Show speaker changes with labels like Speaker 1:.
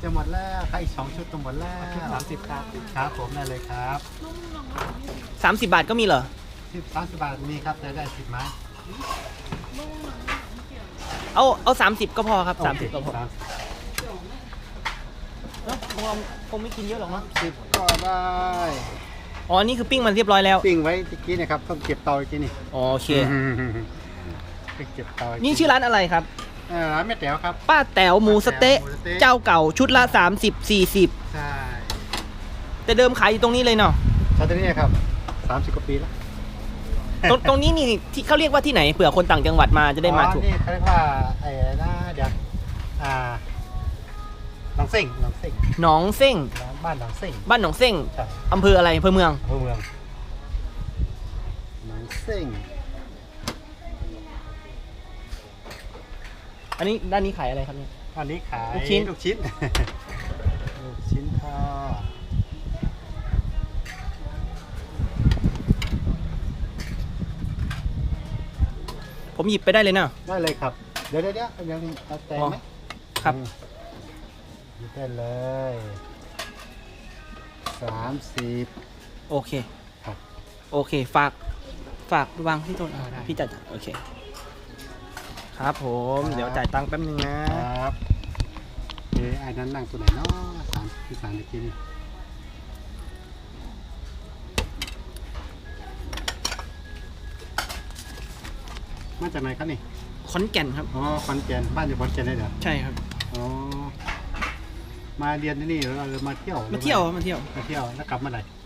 Speaker 1: จะหมดแล้วใครอีก2 ชุดจะหมดแล้ว
Speaker 2: 30ครับ
Speaker 1: ครับผมได้เลยครับ
Speaker 3: 30 บาทก็มีเหรอ
Speaker 1: 30 บาทมีครับจะได้10 ไม้
Speaker 3: เอา30ก็พอครับ30ก็พอคงไม่กินเยอะหรอกเนาะ
Speaker 1: 10ก็ได้
Speaker 3: อ๋อนี่คือปิ้งมันเรียบร้อยแล้ว
Speaker 1: ปิ้งไว้ตะกี้นะครับต้องเก็บเตาตะกี้นี่
Speaker 3: โอเค
Speaker 1: เก็บเตา
Speaker 3: นี่ชื่อร้านอะไรครับ
Speaker 1: ร้านแม่แต๋วครับ
Speaker 3: ป้าแต๋วหมูสะเต๊ะเจ้าเก่าชุดละ30-40
Speaker 1: ใช่
Speaker 3: แต่เดิมขายอยู่ตรงนี้เลยเนาะ
Speaker 1: ใช่ตรงนี้ครับ30 กว่าปีแล้ว
Speaker 3: ตรงนี้นี่ที่เขาเรียกว่าที่ไหนเผื่อคนต่างจังหวัดมาจะได้มาถูก
Speaker 1: นี่เขาเรียกว่าไอ้นะเดี๋ยวหนองเส้ง
Speaker 3: หนองเส้ง
Speaker 1: บ้านหนองเส้ง
Speaker 3: บ้านหนองเส้งอำเภออะไรอำเภอเมือง
Speaker 1: หนองเส้ง
Speaker 3: อันนี้ด้านนี้ขายอะไรครับเนี่ย
Speaker 1: อันนี้ขาย
Speaker 3: ลูกชิ้น
Speaker 1: ลูกชิ้นทอด
Speaker 3: ผมหยิบไปได้เลยเนาะ
Speaker 1: ได้เลยครับเดี๋ยวยังเอาแต่ไหม
Speaker 3: ครับ
Speaker 1: หยิบได้เลย30
Speaker 3: โอเค
Speaker 1: ครับ
Speaker 3: โอเคฝากวางที่โต๊ะพี่จัดโอเคครับผมเดี๋ยวจ่ายตังค์แป๊บนึงนะครับ
Speaker 1: ไอ้นั้นนั่งตัวไหนเนาะที่3ตะกี้นี่มาจากไหนครับนี่
Speaker 3: ขอนแก่นครับ
Speaker 1: อ๋อขอนแก่นบ้านอยู่ขอนแก่นได้เหรอ
Speaker 3: ใช่ครับ
Speaker 1: อ๋อมาเรียนที่นี่หรือมาเที่ยว
Speaker 3: แล้วกลับเมื่อไหร่